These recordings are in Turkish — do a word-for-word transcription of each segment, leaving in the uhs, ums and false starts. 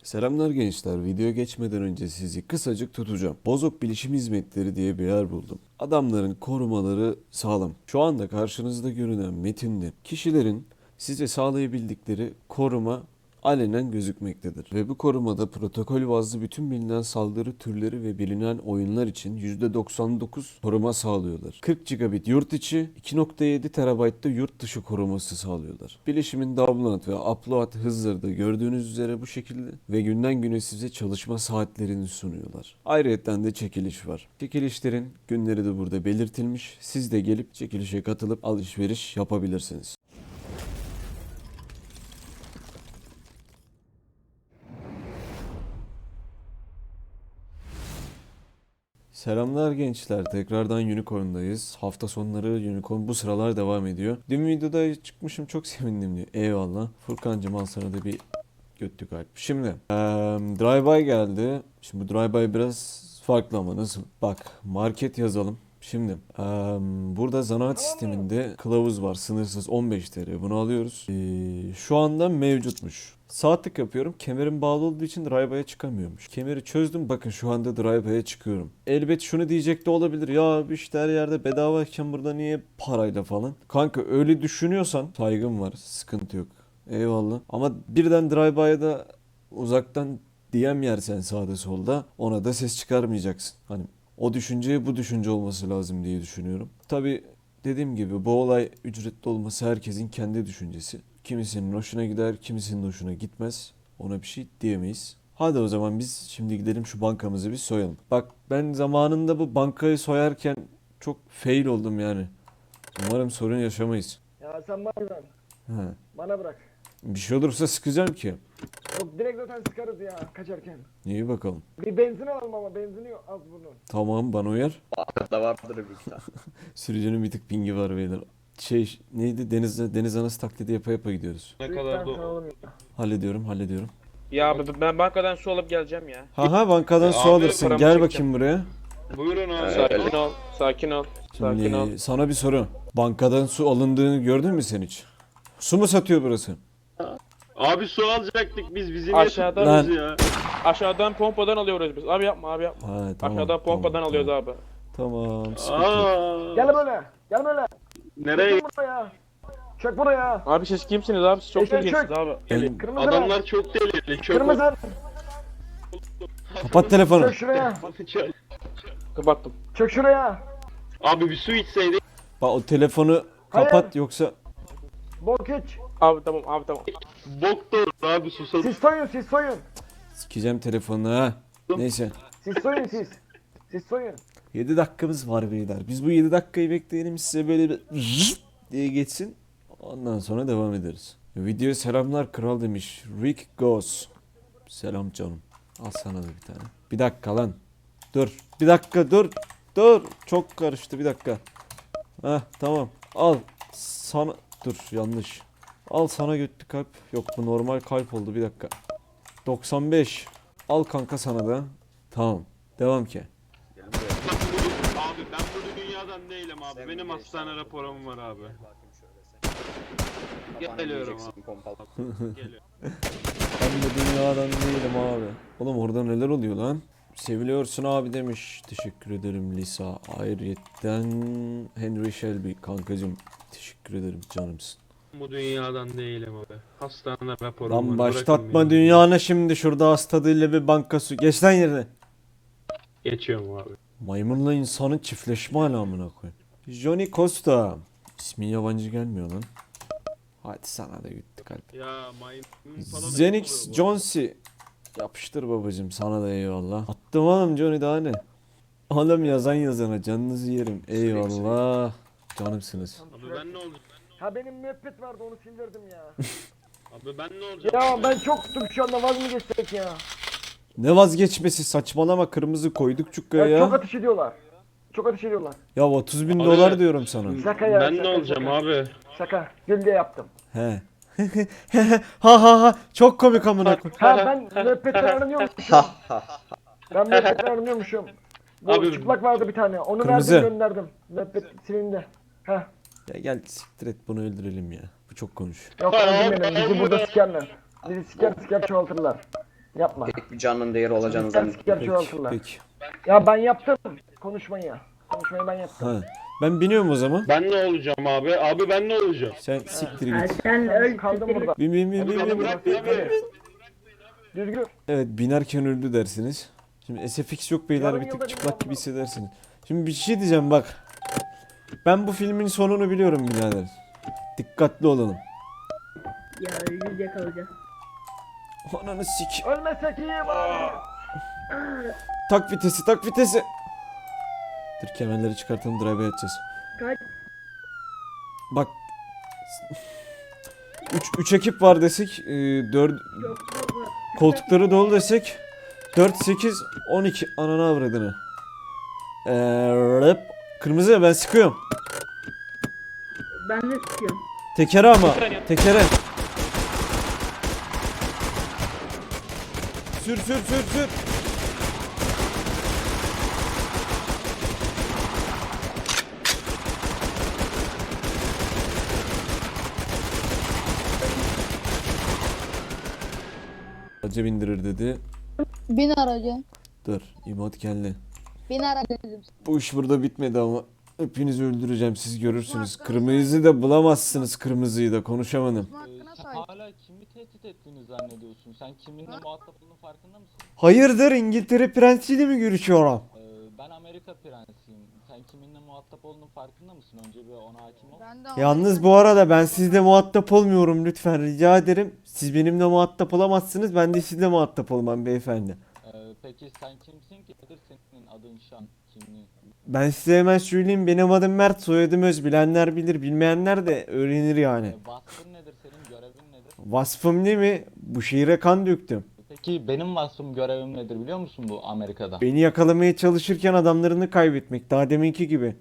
Selamlar gençler. Videoya geçmeden önce sizi kısacık tutacağım. Bozok Bilişim Hizmetleri diye bir yer buldum. Adamların korumaları sağlam. Şu anda karşınızda görünen metinde kişilerin size sağlayabildikleri koruma alenen gözükmektedir. Ve bu korumada protokol bazlı bütün bilinen saldırı türleri ve bilinen oyunlar için yüzde doksan dokuz koruma sağlıyorlar. kırk gigabit yurt içi, iki nokta yedi terabaytta yurt dışı koruması sağlıyorlar. Bilişimin download ve upload hızları da gördüğünüz üzere bu şekilde ve günden güne size çalışma saatlerini sunuyorlar. Ayrıca de çekiliş var. Çekilişlerin günleri de burada belirtilmiş. Siz de gelip çekilişe katılıp alışveriş yapabilirsiniz. Selamlar gençler. Tekrardan Unicorn'dayız. Hafta sonları Unicorn bu sıralar devam ediyor. Dün videoda çıkmışım, çok sevindim diyor. Eyvallah. Furkancığım, al sana da bir götlük kalp. Şimdi eee Drive-by geldi. Şimdi bu Drive-by biraz farklı ama nasıl? Bak, market yazalım. Şimdi eee, burada zanaat sisteminde kılavuz var. Sınırsız on beş T L. Bunu alıyoruz. Eee, şu anda mevcutmuş. Sağ tık yapıyorum. Kemerim bağlı olduğu için drive'a çıkamıyormuş. Kemeri çözdüm. Bakın şu anda drive'a çıkıyorum. Elbet şunu diyecek de olabilir. Ya işte her yerde bedavayken burada niye parayla falan. Kanka öyle düşünüyorsan saygım var. Sıkıntı yok. Eyvallah. Ama birden drive'a da uzaktan D M yersen sağda solda ona da ses çıkarmayacaksın. Hani o düşünce bu düşünce olması lazım diye düşünüyorum. Tabi dediğim gibi bu olay ücretli olması herkesin kendi düşüncesi. Kimisinin hoşuna gider, kimisinin hoşuna gitmez. Ona bir şey diyemeyiz. Hadi o zaman biz şimdi gidelim şu bankamızı bir soyalım. Bak, ben zamanında bu bankayı soyarken çok fail oldum yani. Umarım sorun yaşamayız. Ya sen bana bırak. He. Bana bırak. Bir şey olursa sıkacağım ki. Yok, direkt zaten sıkarız ya kaçarken. İyi bakalım. Bir benzin alalım ama benzini yok az bunun. Tamam, bana uyar. Da vardır bir tane. Sürücünün bir tık pingi var beyler. Şey neydi, deniz, deniz anası taklidi yapa yapa gidiyoruz. Ne Lütfen kadar da alalım ya. Hallediyorum hallediyorum. Ya abi ben bankadan su alıp geleceğim ya. Haha, bankadan Ya su abi, alırsın. paramı Gel çekeceğim. bakayım buraya. Buyurun abi. Evet. Sakin ol. Sakin ol. Sakin ol. Şimdi sana bir soru. Bankadan su alındığını gördün mü sen hiç? Su mu satıyor burası? Abi su alacaktık biz, bizi niye Aşağıdan- Lan. tuttunuz ya? Aşağıdan pompadan alıyoruz biz. Abi yapma abi yapma. Ha, tamam, Aşağıdan pompadan tamam, alıyoruz tamam. abi. Tamam, sıkıntı yok. Aa, Gel böyle. Gel böyle. nereye? Çök buraya. Çök buraya. Abi siz kimsiniz abi? Siz çok Eşek ilginçsiniz çök. abi. Ben- Kırmızı Adamlar ver. çok delirli. Çok Kırmızı. Kapat telefonu. Çök şuraya. Kapattım. Çök şuraya. Abi bir su içseydik. Bak, o telefonu kapat Hayır. yoksa Bok iç. Abi tamam abi tamam. Bok da olur abi, susadık. Siz soyun siz soyun. sikeceğim telefonunu ha. Neyse. Siz soyun siz. Siz soyun. yedi dakikamız var beyler. Biz bu yedi dakikayı bekleyelim, size böyle bir diye geçsin. Ondan sonra devam ederiz. Videoya selamlar kral demiş. Rick Goes. Selam canım. Al sana da bir tane. Bir dakika lan. Dur. Bir dakika dur. Dur. Çok karıştı, bir dakika. Heh, tamam. Al. Sana. Dur, yanlış. Al sana götlü kalp. Yok, bu normal kalp oldu, bir dakika. doksan beş. Al kanka sana da. Tamam. Devam ki. Abi ben bu dünyadan değilim abi. Benim hastane raporum var abi. Geliyorum abi. Geliyorum. Ben de dünyadan değilim abi. Oğlum orada neler oluyor lan? Seviliyorsun abi demiş. Teşekkür ederim Lisa. Ayrıyetten Henry Shelby kankacım. Teşekkür ederim, canımsın. Bu dünyadan değilim abi. Hastane raporum var. Lan Bırakın başlatma beni. dünyanı şimdi, şurada hastadığıyla bir banka su. Geç lan yerine. Geçiyorum abi. Maymunla insanın çiftleşme alamına koy. Johnny Costa. İsmi yabancı gelmiyor lan. Hadi sana da gitti kalp. Ya maymun falan. Zenix Jonesy. Yapıştır babacım, sana da eyvallah. Attım oğlum Johnny, daha ne? Oğlum yazan yazana canınızı yerim. Eyvallah. Canımsınız. Abi ben ne olacağım? Ha benim müebbet vardı onu sildirdim ya. Abi ben ne olacağım? Ya ben çok tuttum şu anda, vaz mı geçsek ya? Ne vazgeçmesi, saçmalama, kırmızı koyduk çukkaya Ya çok ya. ateş ediyorlar. Çok ateş ediyorlar. Ya otuz bin Abi- dolar diyorum sana. Şaka ya. Ben ne şaka, olacağım şaka. abi? Şaka. Gül diye yaptım. He. ha ha ha, çok komik amına koy. Ha ben müebbetten aranıyormuşum. Ben müebbetten aranıyormuşum. Bu Abi- çıplak vardı bir tane. Onu Kırmızı. verdim gönderdim. Müebbet silindi. Ha. Ya gel siktir et, bunu öldürelim ya. Bu çok konuş. Yok öldürmeyelim. Bizi burada sikerler. Bizi siker siker çoğaltırlar. Yapma. Pek bir canın değeri olacağını Sen zannetmiyorum. siker şu Peki, altında. peki. Ya ben yaptım. Konuşmayı ya. Konuşmayı ben yaptım. Ha. Ben biniyorum o zaman. Ben ne olacağım abi? Abi ben ne olacağım? Sen siktir Ha, git. sen Sen öl. kaldın burada. Bin bin bin Abi bin beni bin. bırak abi. Düzgün. Evet, binerken öldü dersiniz. Şimdi S F X yok beyler, Yarın bir yılda tık bir çıplak yılda gibi bir- hissedersiniz. Şimdi bir şey diyeceğim bak. Ben bu filmin sonunu biliyorum birader. Dikkatli olalım. Ya yüz yakalayacağız. Ananı sik. Ölmesek iyi bari. Tak vitesi, tak vitesi. Dur, kemerleri çıkartalım, drive'a yatacağız. Kaç? Bak. üç üç ekip var desek, dört Çok fazla. koltukları dolu desek dört sekiz on iki ananı avradını. Eee kırmızı, ben sıkıyorum. Ben de sıkıyorum. Tekere ama. Tekere. Sür sür sür sür. Aracı bindirir dedi. Bin aracı. Dur, imot geldi. Bin aracı dedim. Bu iş burada bitmedi ama hepinizi öldüreceğim, siz görürsünüz. Kırmızıyı da bulamazsınız, kırmızıyı da konuşamadım. Bu hakkına Sen sahip. hala kimi tehdit ettiğini zannediyorsun? Sen kiminle muhatap olduğunun farkında mısın? Hayırdır, İngiltere prensiyle mi görüşüyorum? Ee, ben Amerika prensiyim. Sen kiminle muhatap olduğunun farkında mısın? Önce bir ona hakim ol. Ben de Yalnız bu arada ben sizle muhatap olmuyorum, lütfen rica ederim. Siz benimle muhatap olamazsınız, ben de sizle muhatap olmam beyefendi. Ee, peki sen kimsin ki? Nedir senin adın, şan, kimliğin? Ben size hemen söyleyeyim, benim adım Mert, soyadım Öz. Bilenler bilir, bilmeyenler de öğrenir yani. Ee, vasfın nedir senin? Görevin nedir? Vasfım ne mi? Bu şehire kan döktüm. Peki benim vasfım, görevim nedir biliyor musun bu Amerika'da? Beni yakalamaya çalışırken adamlarını kaybetmek, daha deminki gibi.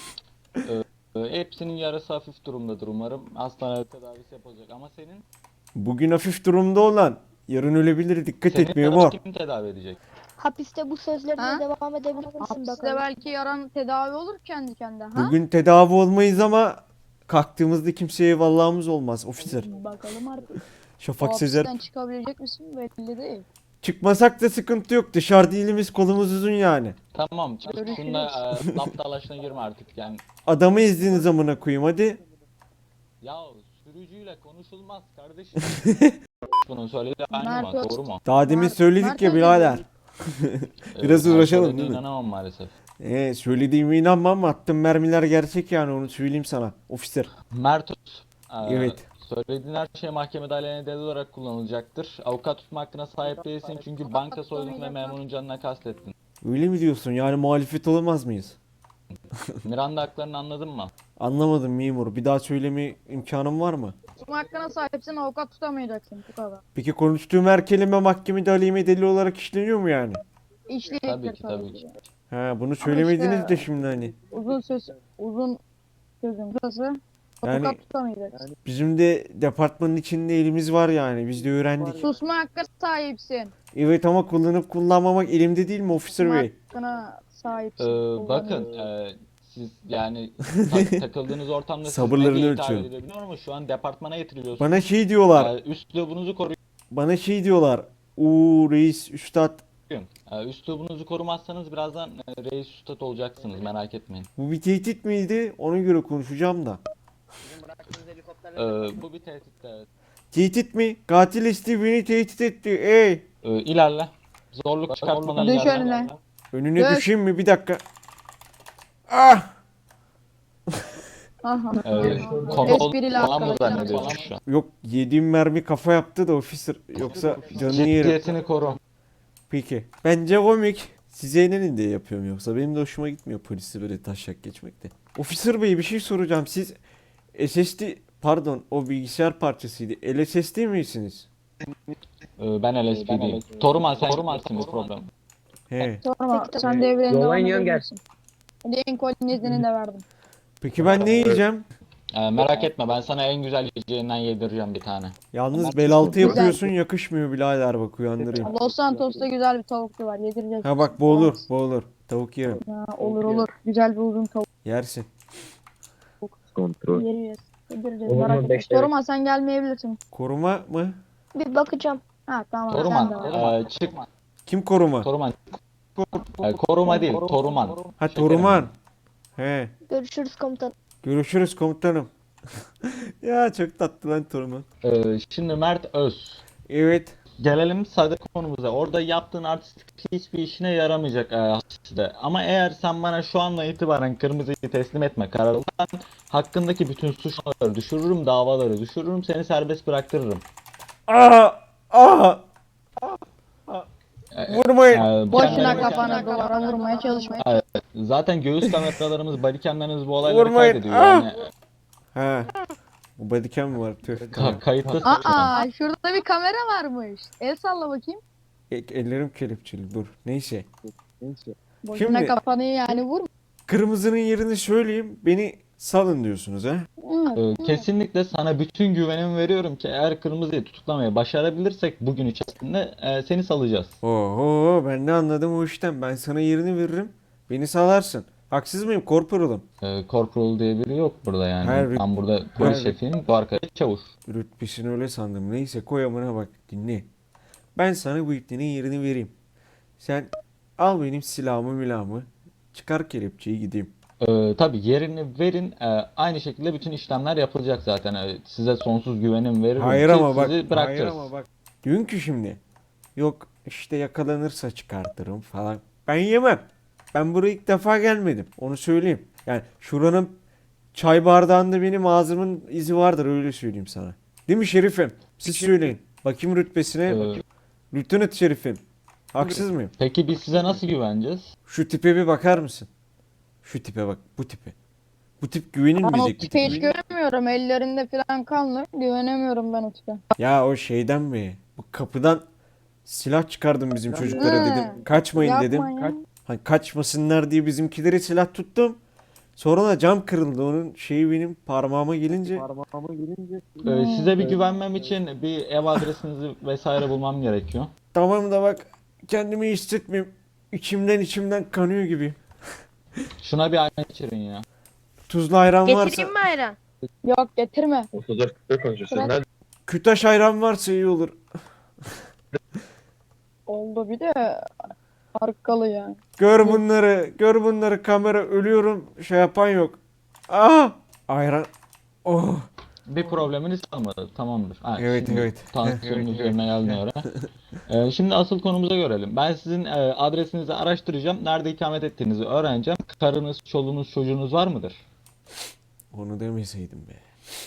Ee, hepsinin yarısı hafif durumdadır umarım. Hastane tedavisi yapılacak ama senin? Bugün hafif durumda olan yarın ölebilir, dikkat Senin etmiyor yaranı mu? kim tedavi edecek? Hapiste bu sözlerine Ha? devam edebilir misin Hapiste bakalım? belki yaran tedavi olur kendi kendine. Ha? Bugün tedavi olmayız ama kalktığımızda kimseye eyvallahımız olmaz officer. Bakalım artık. O Şafak Sezer. hapisten çıkabilecek misin belli değil. Çıkmasak da sıkıntı yok. Dışarıda elimiz kolumuz uzun yani. Tamam, çık Görüşürüz. şunla e, laf dalaşına girme artık yani. Adamı izdiğiniz amına koyayım hadi. Ya sürücüyle konuşulmaz kardeşim. Bunu söyledi aynı Mert mı? Öz- Doğru mu? Daha demin Mert- söyledik Mert ya Özil birader. Biraz Ee, ben uğraşalım söylediğine değil mi? İnanamam maalesef. Ee, söylediğime inanma ama attığım mermiler gerçek yani, onu söyleyeyim sana. Officer. Mert Öz, e, Evet. söylediğin her şey mahkemede aleyhine delil olarak kullanılacaktır. Avukat tutma hakkına sahip değilsin çünkü banka soydun ve memurun canına kastettin. Öyle mi diyorsun? Yani muhalefet olamaz mıyız? Miranda haklarını anladın mı? Anlamadım memur. Bir daha söyleme imkanım var mı? Tutma hakkına sahipsin, avukat tutamayacaksın bu kadar. Peki konuştuğum her kelime mahkemede aleyhime delil olarak işleniyor mu yani? İşleyecektir Tabii ki, tabii ki. Ha, bunu söylemediniz işte- de şimdi hani. Uzun söz, uzun sözün kısası. Yani- Avukat tutamayacaksın. Bizim de departmanın içinde elimiz var yani. Biz de öğrendik. Susma hakkına sahipsin. Evet ama kullanıp kullanmamak elimde değil mi officer Susma bey? hakkına sahipsin. Ee, bakın Kullanıyorsun. e, siz yani tak- takıldığınız ortamda siz Sabırlarını ne diye hitap ölçüyorum. edilebiliyor ama şu an departmana getiriliyorsunuz. Bana şey diyorlar. Ee, üslubunuzu koruyun. Bana şey diyorlar. Uuu reis üstad. Ee, üslubunuzu korumazsanız birazdan e, reis üstad olacaksınız, merak etmeyin. Bu bir tehdit miydi? Ona göre konuşacağım da. Bizim bıraktığınız helikopterle Ee, bu bir tehdit de evet. Tehdit mi? Katil isti beni tehdit etti. Ey! Ee, ilerle. Zorluk çıkartmadan Düş ilerle. önüne. Önüne Dök. düşeyim mi? Bir dakika. Ah! Aha. Ee, konu Esprili falan mı arkadaşlar. zannediyorsun şu an? Yok, yediğim mermi kafa yaptı da officer. Yoksa canını yerim. Ciddiyetini koru. Peki. Bence komik. Size eğlenin diye yapıyorum yoksa. Benim de hoşuma gitmiyor polisi böyle taşak geçmekte. Officer bey bir şey soracağım. Siz S S D pardon o bilgisayar parçasıydı. L S S D misiniz? Ee, ben L S P D'yim. Toruman sen Toruman'sın bir problem. He. Sonra Peki, sen tamam. devreni Yola devam iniyorum, gel. edebilirsin. Lincoln iznini de verdim. Peki ben ne yiyeceğim? Ee, merak etme, ben sana en güzel yiyeceğinden yedireceğim bir tane. Yalnız bel altı yapıyorsun, yakışmıyor birader, bak uyandırayım. Los Santos'ta güzel bir tavukçu var. Yedireceğiz. Ha bak bu olur, bu olur. Tavuk yerim. Ha, olur olur. Güzel bir uzun tavuk Yersin. Kontrol. yeriyoruz. Yedireceğiz. Olur mu? Merak etme. Beş lira. Sorma sen gelmeyebilirsin. Koruma mı? Bir bakacağım. Ha tamam sen de Toruman. var. Ee, çıkma. Kim koruma? Toruman. Ee, koruma değil, Toruman. Ha Toruman. He. Görüşürüz komutanım. Görüşürüz komutanım. Ya çok tatlı lan Toruman. Ee, şimdi Mert Öz. Evet. Gelelim sade konumuza. Orada yaptığın artistik hiçbir işine yaramayacak e, işte. Ama eğer sen bana şu anla itibaren kırmızıyı teslim etme kararı alırsan hakkındaki bütün suçları düşürürüm, davaları düşürürüm, seni serbest bıraktırırım. Aa! Aa! E, Vurmayın. e, Boşuna kendine- kafana duvara vurmaya çalışma. Zaten göğüs kameralarımız, bodycamlarımız bu olayları Vurmayın. kaydediyor. Ah! Yani Ha. Bu bodycam mı var? Tüh. ka- kayıtlı. Aa şurada bir kamera varmış. El salla bakayım. E- Ellerim kelepçeli dur. Neyse. Boşuna Şimdi- kafanı yani vurma. Kırmızının yerini söyleyeyim. Beni salın diyorsunuz ha? Hı. Ee, Kesinlikle sana bütün güvenimi veriyorum ki eğer kırmızıyı tutuklamayı başarabilirsek bugün içerisinde e, seni salacağız. Oho ben ne anladım o işten. Ben sana yerini veririm. Beni salarsın. Haksız mıyım korporalım? Ee, Corporal diye biri yok burada yani. Hayır, Ben burada polis hayır. şefiyim, bu arkadaş çavuş. Rütbesini öyle sandım. Neyse koy amına bak dinle. Ben sana bu iplerin yerini vereyim. Sen al benim silahımı milahımı. Çıkar kelepçeyi gideyim. Ee, tabii yerini verin. Ee, aynı şekilde bütün işlemler yapılacak zaten. Ee, size sonsuz güvenim veririm Hayır ki ama bak. sizi Hayır bırakacağız. ama bak. Diyorsun ki şimdi. Yok işte yakalanırsa çıkartırım falan. Ben yemem. Ben buraya ilk defa gelmedim. Onu söyleyeyim. Yani şuranın çay bardağında benim ağzımın izi vardır öyle söyleyeyim sana. Değil mi şerifim? Siz söyleyin. Bakayım rütbesine. Ee, Lieutenant şerifim. Haksız mıyım? peki biz size nasıl güveneceğiz? Şu tipe bir bakar mısın? Şu tipe bak. Bu tipe. Bu tip Ben o güvenilmeyecek bir tipe hiç tip. göremiyorum. Ellerinde falan kanlı. Güvenemiyorum ben o tipe. Ya o şeyden mi? Bu kapıdan silah çıkardım bizim çocuklara Hı. dedim. Kaçmayın dedim. Yapma ya. Hani kaçmasınlar diye bizimkileri silah tuttum. Sonra da cam kırıldı. Onun şeyi benim parmağıma gelince. Ee, size bir güvenmem için bir ev adresinizi vesaire bulmam gerekiyor. Tamam da bak kendimi iyi hissetmiyorum. İçimden içimden kanıyor gibi. Şuna bir ayna içirin ya. Tuzlu ayran varsa, Getireyim mi ayran? Yok getirme. kütaş ayran varsa iyi olur. Oldu bir de arkalı yani. Gör bunları, gör bunları kamera ölüyorum. Şey yapan yok. Aa! Ayran. Oh. Bir probleminiz kalmadı. Tamamdır. Ha, Evet, şimdi evet. Tansiyonun üzerine geldiğine göre. Ee, şimdi asıl konumuza görelim. Ben sizin e, adresinizi araştıracağım. Nerede ikamet ettiğinizi öğreneceğim. Karınız, çoluğunuz, çocuğunuz var mıdır? Onu demeseydim be.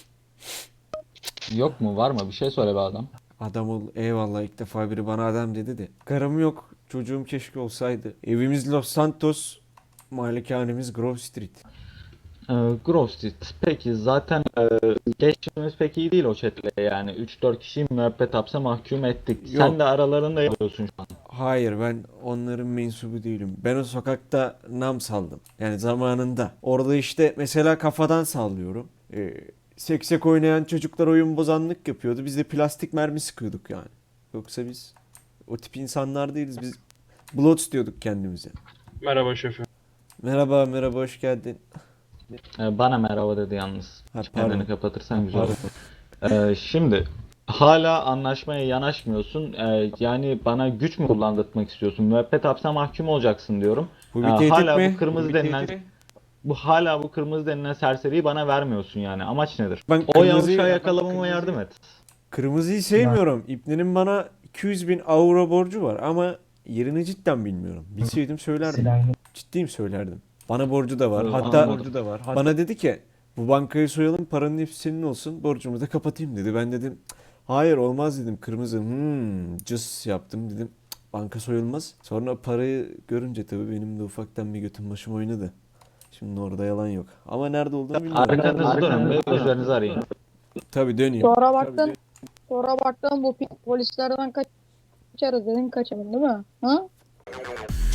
Yok mu? Var mı? Bir şey söyle be adam. Adam ol eyvallah ilk defa biri bana adam dedi de. Karım yok. Çocuğum keşke olsaydı. Evimiz Los Santos. Malikanemiz Grove Street. Ee, Grove Street. Peki zaten e, geçmişimiz pek iyi değil o chatle yani. üç dört kişiyi müebbet hapse mahkum ettik. Yok. Sen de aralarında yapıyorsun şu an. Hayır ben onların mensubu değilim. Ben o sokakta nam saldım. Yani zamanında. Orada işte mesela kafadan sallıyorum. Ee, seksek oynayan çocuklar oyun bozanlık yapıyordu. Biz de plastik mermi sıkıyorduk yani. Yoksa biz o tip insanlar değiliz. Biz Bloods diyorduk kendimize. Merhaba şefim. Merhaba merhaba hoş geldin. Ee, bana merhaba dedi yalnız. Ha, Çeneni pardon. kapatırsan güzel Pardon. olur. Ee, şimdi hala anlaşmaya yanaşmıyorsun. Ee, yani bana güç mü kullandırtmak istiyorsun? Müebbet hapse mahkum olacaksın diyorum. Bu Ee, bir tehdit hala mi? bu kırmızı Bu bir denilen tehdit. bu hala bu kırmızı denilen serseriyi bana vermiyorsun yani. Amaç nedir? Ben O kırmızıyı- yavuşağı yakalamama yardım et. Kırmızıyı sevmiyorum. İbnenin bana iki yüz bin avro borcu var ama yerini cidden bilmiyorum. Bilseydim söylerdim. Ciddiyim söylerdim. Bana borcu da var. Evet, Hatta bana borcu da var. Bana dedi ki bu bankayı soyalım paranın hepsi senin olsun borcumu da kapatayım dedi. Ben dedim hayır olmaz dedim. Kırmızı hmm, cız yaptım dedim. "Cık, banka soyulmaz. Sonra parayı görünce tabii benim de ufaktan bir götüm başım oynadı. Şimdi orada yalan yok. Ama nerede olduğunu bilmiyorum. Arkanızı dönün ve üzerinizi arayın. Tabii döneyim. Sonra baktın. Sonra baktın bu pi- polislerden kaçarız dedin kaçamadın değil mi? Ha?